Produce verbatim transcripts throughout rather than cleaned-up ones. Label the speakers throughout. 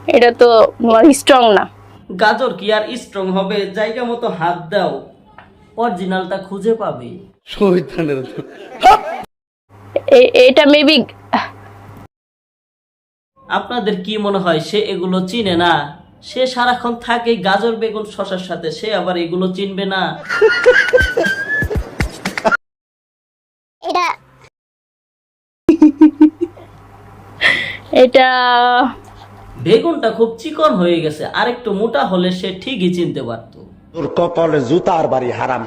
Speaker 1: এটা তো স্ট্রং না।
Speaker 2: গাজর কি আর স্ট্রং হবে? জায়গা মতো হাত দাও, অরিজিনালটা খুঁজে পাবে।
Speaker 1: এটা মেবি।
Speaker 2: আপনাদের কি মনে হয় সে এগুলো চিনে না? সে সারাক্ষণ থাকে গাজর বেগুন শশার সাথে, সে আবার এগুলো চিনবে না?
Speaker 1: এটা এটা
Speaker 2: বেগুনটা খুব চিকন হয়ে গেছে, আর একটু মোটা হলে সে ঠিকই চিনতে পারতো।
Speaker 3: তোর কপালে জুতার বাড়ি হারামি।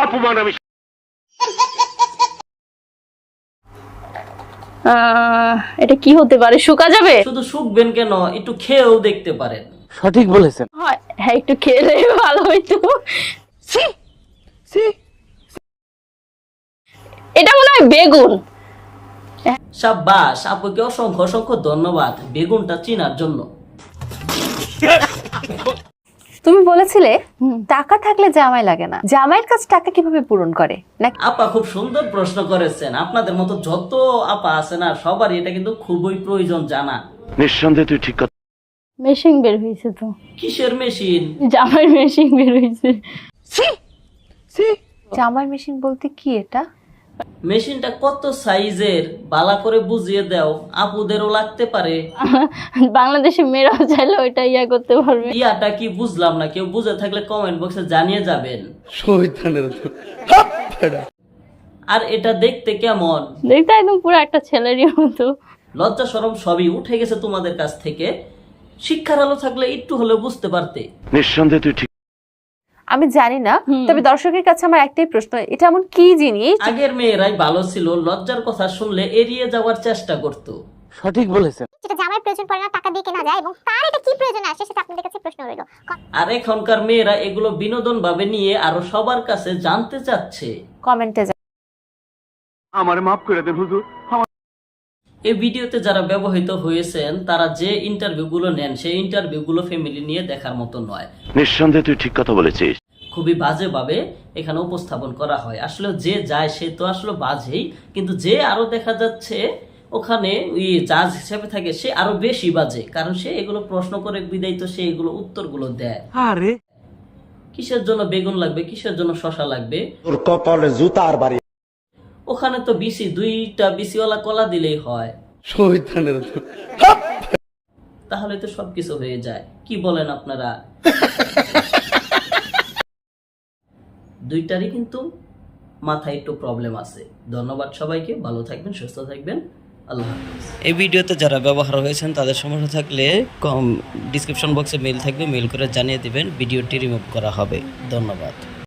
Speaker 1: আহ, এটা কি হতে পারে? শুকা যাবে?
Speaker 2: শুধু শুকবেন কেন, একটু খেয়েও দেখতে পারেন।
Speaker 4: সঠিক বলেছেন।
Speaker 1: হয়, হ্যাঁ, একটু খেলে ভালো হইতো। এটা মনে হয় বেগুন।
Speaker 2: সাব্বাস, আপুকে অসংখ্য অসংখ্য ধন্যবাদ বেগুনটা চিনার জন্য।
Speaker 5: তুমি বলেছিলে টাকা থাকলে জামাই লাগে না, জামাইয়ের কাছে টাকা কিভাবে পূরণ করে নাকি?
Speaker 2: আপা খুব সুন্দর প্রশ্ন করেছেন। আপনাদের মতো যত আপা আছে না, সবারই এটা কিন্তু খুবই প্রয়োজন জানা।
Speaker 3: নিঃসন্দেহে তুই ঠিক কথা।
Speaker 1: মেশিন বের হয়েছে তো।
Speaker 2: কিসের মেশিন?
Speaker 1: জামাই মেশিন বের হয়েছে।
Speaker 5: জামাই মেশিন বলতে কি এটা?
Speaker 2: মেশিনটা কত সাইজের বালা করে বুঝিয়ে দাও, আপুদেরও লাগতে পারে।
Speaker 1: বাংলাদেশে মেয়েরাও চাইলে ওইটা ইয়া করতে পারবে।
Speaker 2: ইয়াটা কি বুঝলাম না, কেউ বুঝে থাকলে কমেন্ট বক্সে জানিয়ে যাবেন। আর এটা দেখতে কেমন?
Speaker 1: দেখতে একদম পুরো একটা ছেলেরই মতো।
Speaker 2: লজ্জা শরম সবই উঠে গেছে তোমাদের কাছ থেকে। শিক্ষার আলো থাকলে একটু হলে বুঝতে পারতে।
Speaker 3: নিঃসন্দেহে তুই ঠিক।
Speaker 5: আমি জানি না, তবে দর্শকের কাছে আমার একটাই প্রশ্ন, এটা এমন কি জিনিস?
Speaker 2: আগের মেয়েরাই ভালো ছিল, লজ্জার কথা শুনলে এড়িয়ে যাওয়ার চেষ্টা করত।
Speaker 4: সঠিক বলেছেন।
Speaker 6: যেটা জামার প্রয়োজন পড়ে না, টাকা দিয়ে কেনা যায়, এবং তার এটা কি প্রয়োজন আসে সেটা আপনাদের কাছে প্রশ্ন রইল।
Speaker 2: আর এখনকার মেয়েরা এগুলো বিনোদন ভাবে নিয়ে আরো সবার কাছে জানতে চাচ্ছে।
Speaker 5: কমেন্টে
Speaker 3: আমারে মাফ করে দেন হুজুর।
Speaker 2: এই ভিডিওতে যারা ব্যবহৃত হয়েছেন তারা যে ইন্টারভিউ গুলো নেন, সেই ইন্টারভিউ গুলো ফ্যামিলি নিয়ে দেখার মতো নয়।
Speaker 3: নিঃসন্দেহে তুই ঠিক কথা বলেছিস।
Speaker 2: খুবই বাজে ভাবে এখানে উপস্থাপন করা হয়। আসলে যে যায় সে তো আসলে বাজেই, কিন্তু যে আরো দেখা যাচ্ছে ওখানে ওই জাজ হিসেবে থাকে সে আরো বেশি বাজে, কারণ সে এগুলো প্রশ্ন করে বিদায় তো সে এগুলো উত্তরগুলো দেয়।
Speaker 4: আরে
Speaker 2: কিসের জন্য বেগুন লাগবে, কিসের জন্য শশা লাগবে?
Speaker 3: তোর কপালে জুতার বাড়ি।
Speaker 2: ওখানে তো বিসি দুইটা বিসিওয়ালা কলা দিলেই হয়, তাহলে তো সবকিছু হয়ে যায়। কি বলেন আপনারা? দুইটারই কিন্তু মাথায় একটু প্রবলেম আছে। ধন্যবাদ সবাইকে, ভালো থাকবেন, সুস্থ থাকবেন, আল্লাহ হাফেজ। এই ভিডিওতে যারা ব্যবহার হয়েছেন তাদের সমস্যা থাকলে কম ডিসক্রিপশন বক্সে মেল থাকবে, মেল করে জানিয়ে দিবেন, ভিডিওটি রিমুভ করা হবে। ধন্যবাদ।